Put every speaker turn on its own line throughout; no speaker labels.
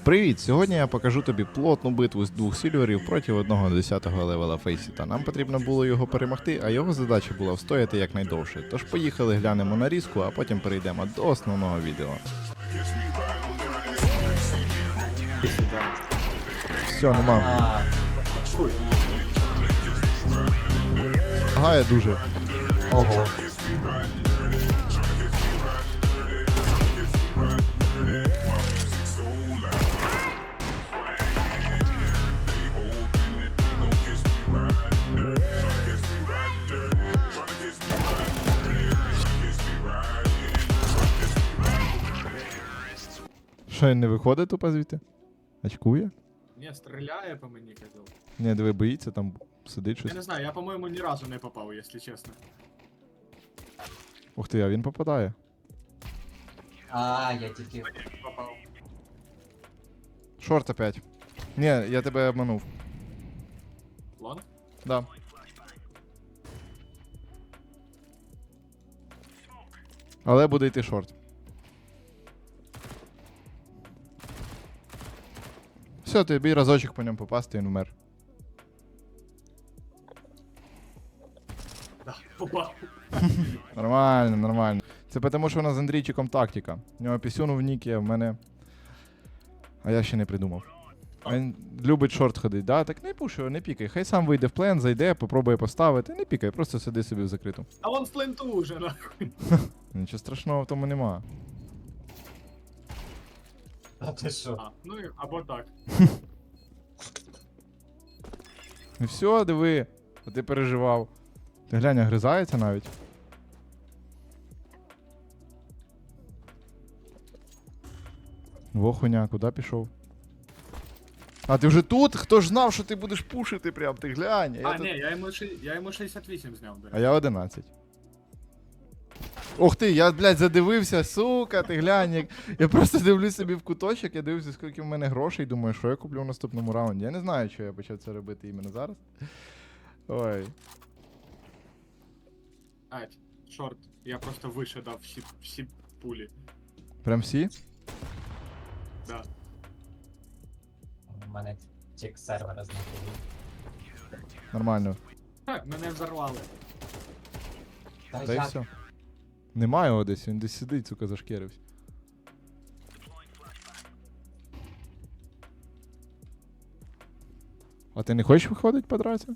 Привіт! Сьогодні я покажу тобі плотну битву з двох сільверів проти одного 10-го левела Фейсіта. Нам потрібно було його перемогти, а його задача була встояти якнайдовше. Тож поїхали глянемо нарізку, а потім перейдемо до основного відео. Все, нема. Гає дуже.
Ого.
Що, він не виходить тупо звідти? Очкує?
Ні, стріляє по мені, казав.
Ні, диви, боїться, там сидить
Я
щось.
не знаю, я, по-моєму, ні разу не попав, якщо чесно.
Ух ти, а він попадає.
А, я тільки.
Попав.
Шорт опять. Ні, я тебе обманув.
Лонг?
Да. Але буде йти шорт. Все, тобі разочок по ньому попасти, він вмер.
Да, попав.
Нормально, нормально. Це тому, що у нас з Андрійчиком тактика. У нього пісюн в нікі, а в мене. А я ще не придумав. Він любить шорт ходить, да? Так не пуши, не пікай. Хай сам вийде в плен, зайде, попробує поставити. Не пікай, просто сиди собі в закриту.
А вон в пленту уже, нахуй.
Нічого страшного в тому нема.
А ти що?
А, ну і або так.
І все, диви, а ти переживав. Ти глянь, гризається навіть. Во хуйня, куди пішов? А ти вже тут? Хто ж знав, що ти будеш пушити прям, ти глянь.
А,
тут-
ні, я йому 68 зняв, до
А
речі.
я 11. Ох ти, я, блядь, задивився, сука, ти глянь. Я просто дивлюсь собі в куточок, я дивлюся, скільки в мене грошей, думаю, що я куплю в наступному раунді. Я не знаю, що я почав це робити іменно зараз. Ой.
Ать, шорт. Я просто вище дав всі пулі.
Прям всі?
Да.
У мене чек сервера знаходив.
Нормально.
Ха, мене взорвали.
Та
Та й
як?
все. Немає його десь, він десь сидить, сука, зашкірився. А ти не хочеш виходити подраться?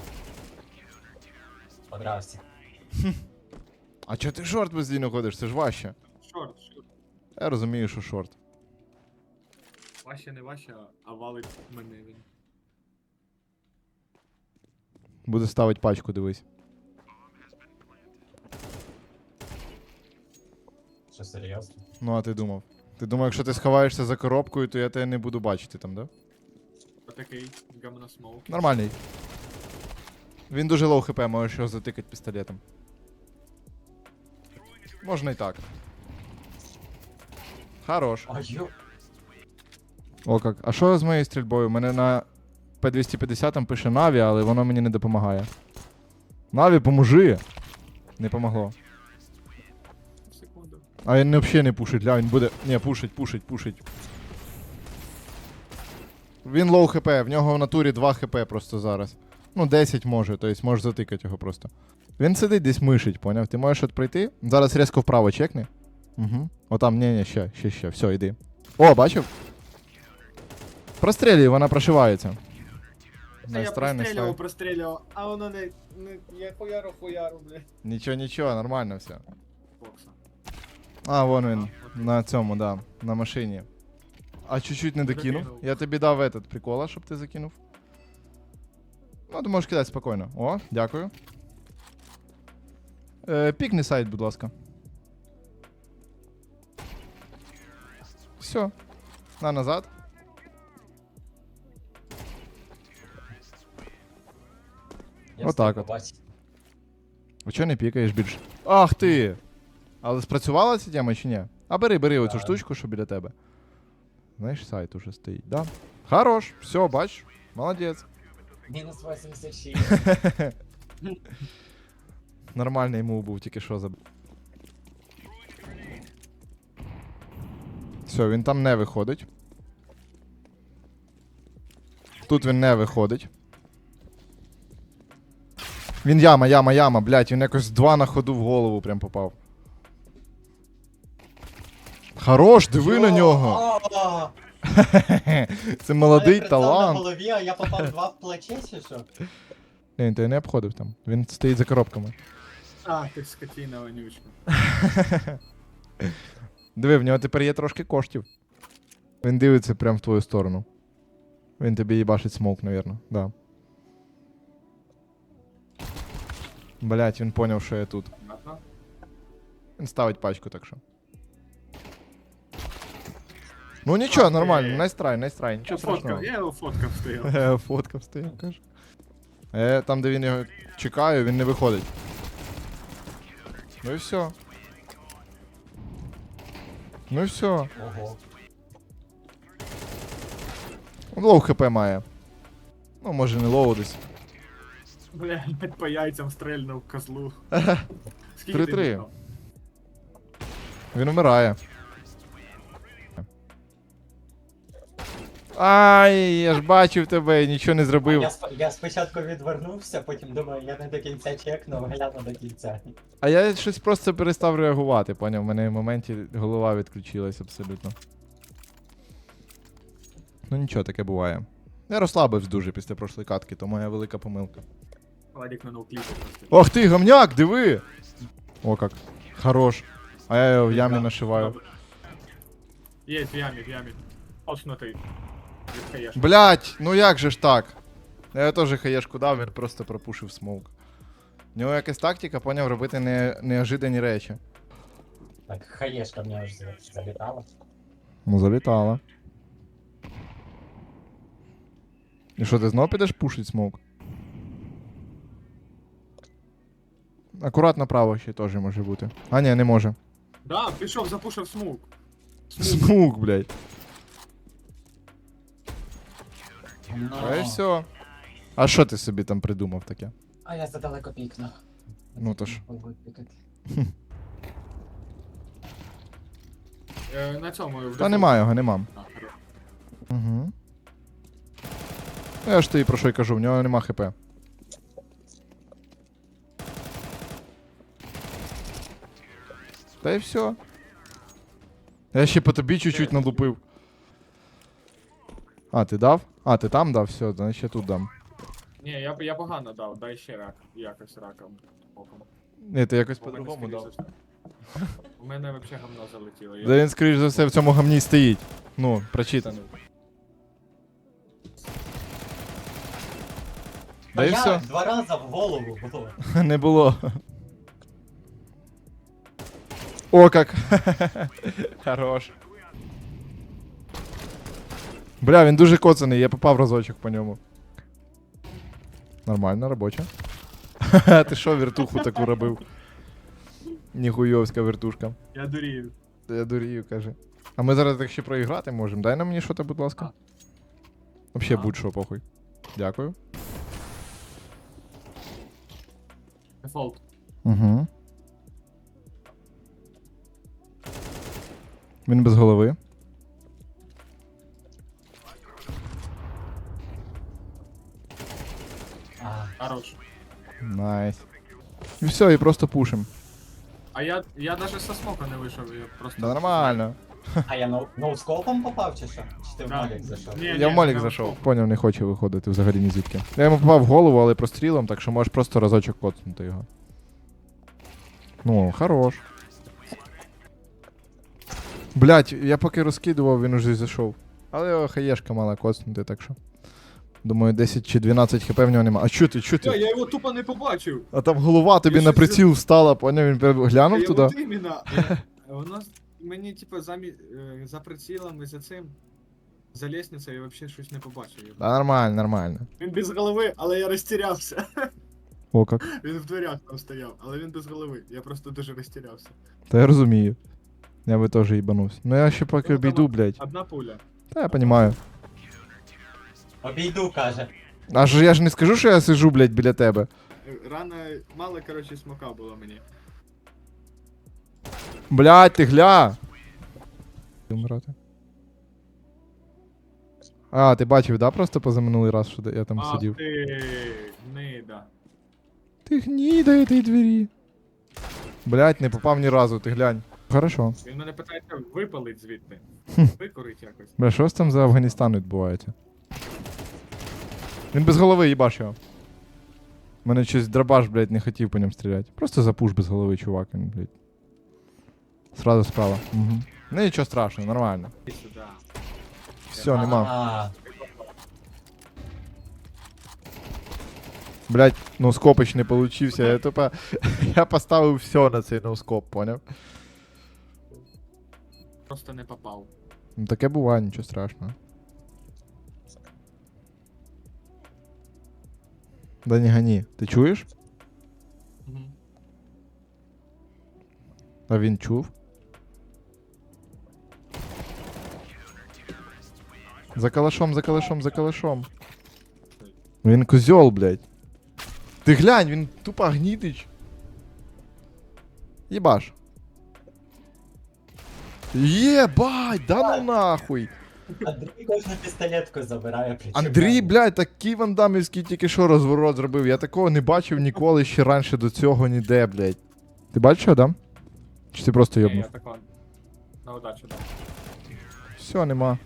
Подрався.
А чого ти шорт постійно ходиш? Це ж важче.
Шорт.
Я розумію, що шорт.
Ваще не ваще, а валить мене він.
Буде ставити пачку, дивись.
Що серйозно?
Ну, а ти думав? Ти думав, якщо ти сховаєшся за коробкою, то я тебе не буду бачити там, да?
Отакий гамносмоук.
Нормальний. Він дуже лоу хп, можеш його затикати пістолетом. Можна і так. Хорош.
А ю.
О, як. А що з моєю стрільбою? У мене на P250 пише Наві, але воно мені не допомагає. Наві, поможи! Не помогло.
Секунду.
А він взагалі не пушить, ля, він буде. Ні, пушить. Він лоу хп, в нього в натурі 2 хп просто зараз. Ну, 10 може, тобто можеш затикати його просто. Він сидить десь мишить, поняв? Ти можеш от пройти. Зараз різко вправо чекни. Угу. Отам, ні, ще. Все, йди. О, бачив? Прострілюй, вона прошивається.
Та я
Настрай.
прострілював, а воно не я хуяру, бля.
Нічого, нормально все.
Бокса.
А, вон він. На цьому, да. На машині. А чуть-чуть не докинув.
Докинув.
Я тобі дав этот прикола, щоб ти закинув. Ну, ти можеш кидати спокійно. О, дякую. Пікни сайт, будь ласка. Все. На назад.
Я
Отак
встиг
от.
побачити.
А чого не пікаєш більше? Ах ти! Але спрацювала ця тема чи ні? А бери оцю
Так.
штучку, що біля тебе. Знаєш, сайт уже стоїть, да? Хорош, все, бач, молодець.
Мінус 86.
Нормальний мув був, тільки що забив. Все, він там не виходить. Тут він не виходить. Він яма, блядь, він якось 2 на ходу в голову прям попав. Хорош, диви на нього.
А,
Це молодий
мене прицел на
талант.
голові, а я попав 2 в плече, чи що?
Він тебе не обходив там. Він стоїть за коробками.
А, ти скотіна вонючка.
Диви, в нього тепер є трошки коштів. Він дивиться прямо в твою сторону. Він тобі їбашить смоук, навірно. Да. Блять, він поняв, що я тут.
Понятно?
Він ставить пачку, так що. Ну нічого,
Окей.
нормально, найстрай, нічого
Я
страшного.
фоткав, я його фоткав стояв.
Фоткав стоїть, каже. Там, де він його чекає, він не виходить. Ну і все. Ну і все.
Ого.
Лоу хп має. Ну, може не лоу десь.
Блядь, по яйцям стрельнув козлу. Скільки
3-3.
ти віддав?
Він вмирає. Ай, я ж бачив тебе, нічого не зробив.
Я спочатку відвернувся, потім думаю, я не до кінця чекнув, гляну до кінця.
А я щось просто перестав реагувати, поняв? У мене в моменті голова відключилась абсолютно. Ну нічого, таке буває. Я розслабився дуже після прошлої катки, то моя велика помилка.
Владик на ноукліпі просто.
Ох ти, гамняк, диви! О как. Хорош. А я його в ямі нашиваю.
Є, в ямі. Очнутий. Від хаєшки.
Блять, ну як же ж так? Я теж хаєшку дав, він просто пропушив смоук. У нього якась тактика, поняв, робити неожидані речі.
Так, хаєшка в нього ж залітала.
Ну, залітала. І що, ти знов підеш пушить смоук? Акурат направо ще теж може бути. А, ні, не може.
Да, пішов, запушив смук.
Смук, блядь.
Ну,
А і все. А що ти собі там придумав таке?
А я задалеко пікнув.
Ну то ж.
На цьому. в
Та
дефолт-
нема його, нема.
А, хорош.
Угу. Я ж тобі про що й кажу, в нього нема хп. Та й все. Я ще по тобі чуть-чуть налупив. А, ти дав? А, ти там дав? Все, значить я тут дам.
Ні, я погано дав, дай ще рак. Якось раком. Боком.
Ні, ти якось
У мене,
по-другому
скоріше
дав.
за все. У мене взагалі гамно залетіло.
Да він, скоріш за все, в цьому гамні стоїть. Ну, прочитаний. Да і все.
2 рази в голову було.
Не було. О, как. Хорош. Бля, він дуже коцаний, я попав разочок по ньому. Нормально, робоча. Ти що вертуху таку робив? Ніхуйовська вертушка.
Я дурію.
Я дурію, каже. А ми зараз так ще проіграти можемо. Дай нам мені що-то, будь ласка. Вообще
А.
будь-що, похуй. Дякую.
Дефолт.
Угу. Він без голови.
А,
Хорош.
Найс. І все, і просто пушим.
А я даже со смока не вийшов, я просто...
Да нормально.
а я ноускопом попав чи що? Чи ти в
Да.
молік зайшов?
Ні,
Я в молік
не
зайшов.
вийшов.
Поняв, не хоче виходити взагалі ні звідки. Я йому попав в голову, але прострілом, так що можеш просто разочок коцнути його. Ну, хорош. Блять, я поки розкидував, він уже зайшов. Але його хаєшка мала коцнути, так що. Думаю, 10 чи 12 хп в нього нема. А чо ти, чо ти?
Я його тупо не побачив.
А там голова тобі
Я
на
щось
приціл встала, поняв, він глянув
Я
туди.
от іменно. Воно мені, типа, за прицілом і за цим. За лестницею я взагалі щось не побачив.
Да нормально, нормально.
Він без голови, але я розтірявся.
О, как.
Він в дверях там стояв, але він без голови. Я просто дуже розтірявся.
Та я розумію. Я би теж їбанувся. Ну я ще поки
Ну,
обійду,
там
блядь.
Одна пуля.
Та я понімаю.
Обійду, каже.
А ж я ж не скажу, що я сижу, блядь, біля тебе.
Рано, мало, коротше, смока було мені.
Блядь, ти гля! Вмирати. А, ти бачив, да, просто позаминулий раз, що я там
Ах
сидів.
ти, нида.
Ти гніда этой двері. Блять, не попав ні разу, ти глянь. Хорошо.
Він мене питається випалить звідти. Викурить якось.
Бля, що ж там за Афганістан відбувається? Він без голови, їбаш його. Мене щось драбаш, блядь, не хотів по ньому стріляти. Просто запуш без голови, чувак, він, блядь. Сразу справа. Угу. Ну нічого страшного, нормально.
Іди сюди.
Все, нема.
А,
Блядь, ноускопич не получився. Я тупо. Я поставив все на цей ноускоп, поняв?
Просто не попав.
Ну таке буває, нічого страшного. Да не гони. Ти чуєш?
Угу.
А він чув? За калашом, за калашом, за калашом. Він козьол, блядь. Ти глянь, він тупо гнітич. Єбаш. Єбать, да ну нахуй.
Андрій кожну пістолетку забирає, причому.
Андрій, блядь, такий вандамівський тільки що розворот зробив. Я такого не бачив ніколи ще раніше до цього ніде, блядь. Ти бачив, да? Чи ти просто
Ні,
йобнув?
я тако на удачу дав.
Все, нема.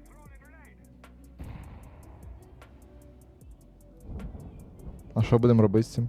А що будемо робити з цим?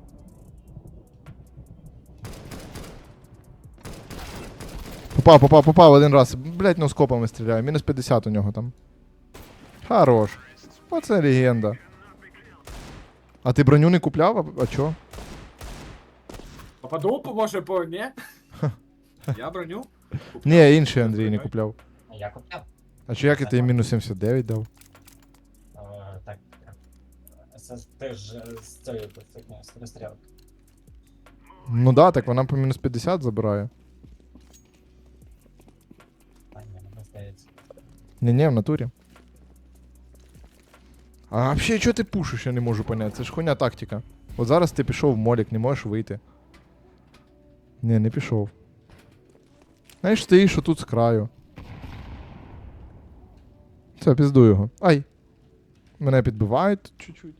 Попав один раз. Блять, ну скопами стріляю. Мінус 50 у нього там. Хорош. Оце легенда. А ти броню не купляв? А чо?
Попаду, може, по ні? Я броню?
Ні, інший Андрій не купляв.
Я купляв.
А чи як я тобі мінус 79 дав?
Так. Ти ж з цією стрілки.
Ну да, так вона по мінус 50 забирає.
А ні, мені здається.
Ні-ні, в натурі. А вообще, чого ти пушиш, я не можу поняти. Це ж хуйня тактика. От зараз ти пішов в молік, не можеш вийти. Ні, не пішов. Знаєш, стоїш отут з краю. Все, пізду його. Ай! Мене підбивають чуть-чуть.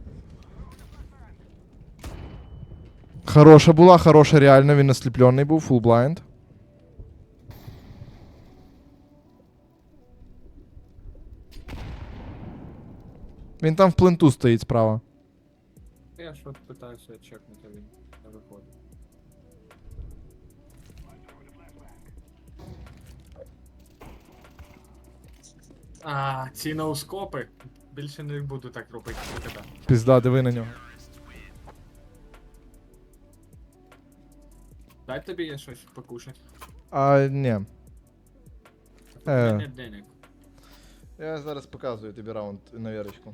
Хороша була, хороша, реально, він осліплений був, full blind. Він там в пленту стоїть справа.
Я ж от питаюся чекнути, а він не виходить. А, ці ноускопи. Більше не буду так робити для тебе.
Пізда, диви на нього.
Дай тобі я щось покушати.
А, ні.
У мене денег.
Я зараз показую тобі раунд на вірочку.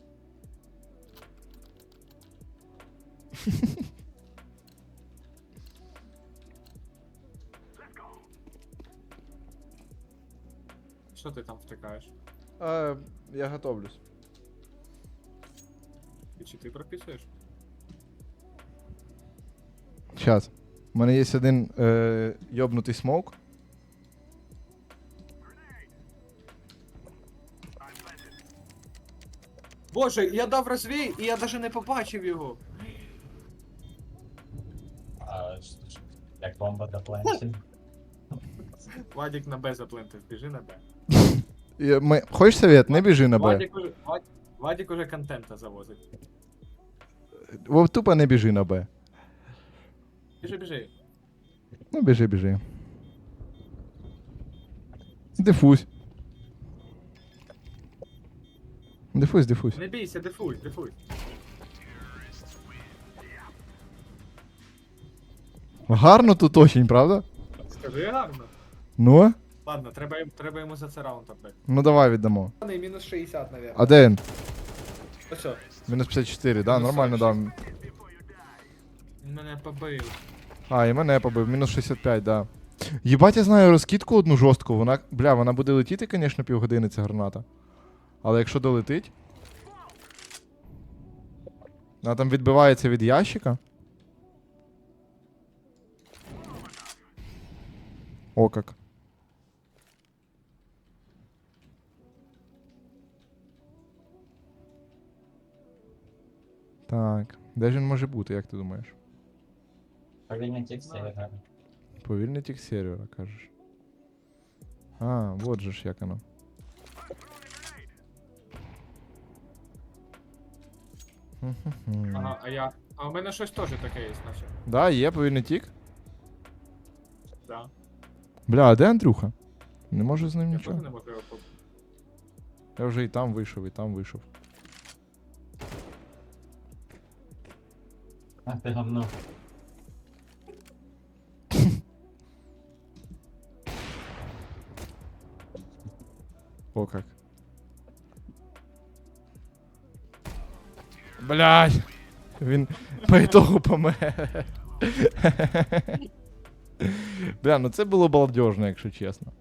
Що ти там втикаєш?
Я готовлюсь.
І чи ти прописуєш?
Сейчас. У мене є один йобнутий смоук.
Боже, я дав розвій, і я навіть не побачив його.
Як бомба до планші.
Владик на Б заплентив, біжи на Б.
Хочеш совет? Не біжи на Б.
Владик уже контента завозить.
Тупо не біжи на Б.
Біжи, біжи.
Ну, біжи, біжи. Дифусь. Дифусь, дифусь.
Не бійся, дефуй, дефуй.
Гарно тут очень, правда?
Скажи гарно.
Ну?
Ладно, треба йому за це раунд отдати.
Ну давай віддамо.
Мінус 60, наверное.
А де він?
Ось.
Мінус 54, да,
Мінус
нормально
46.
дав.
Він мене побив.
А, і мене побив, мінус 65, да. Єбать, я знаю розкидку одну жорстку, вона, бля, вона буде летіти, звісно, півгодини ця граната. Але якщо долетить. Вона там відбивається від ящика. О, как. Так. Де ж він може бути, як ти думаєш?
Повільний тік сервера.
Повільний тік сервера, кажеш. А, вот же ж як воно. Хм-хм-хм.
Ага, а у мене щось теж таке є, наче.
Да, є повільний тік.
Да.
Бля, а де Андрюха? Не можу з ним
Я теж
нічого.
не можу його
Я вже і там вийшов, і там вийшов.
А ти говно.
О как. Блядь! Він по ітогу помер. Бля, ну це було балдежно, якщо чесно.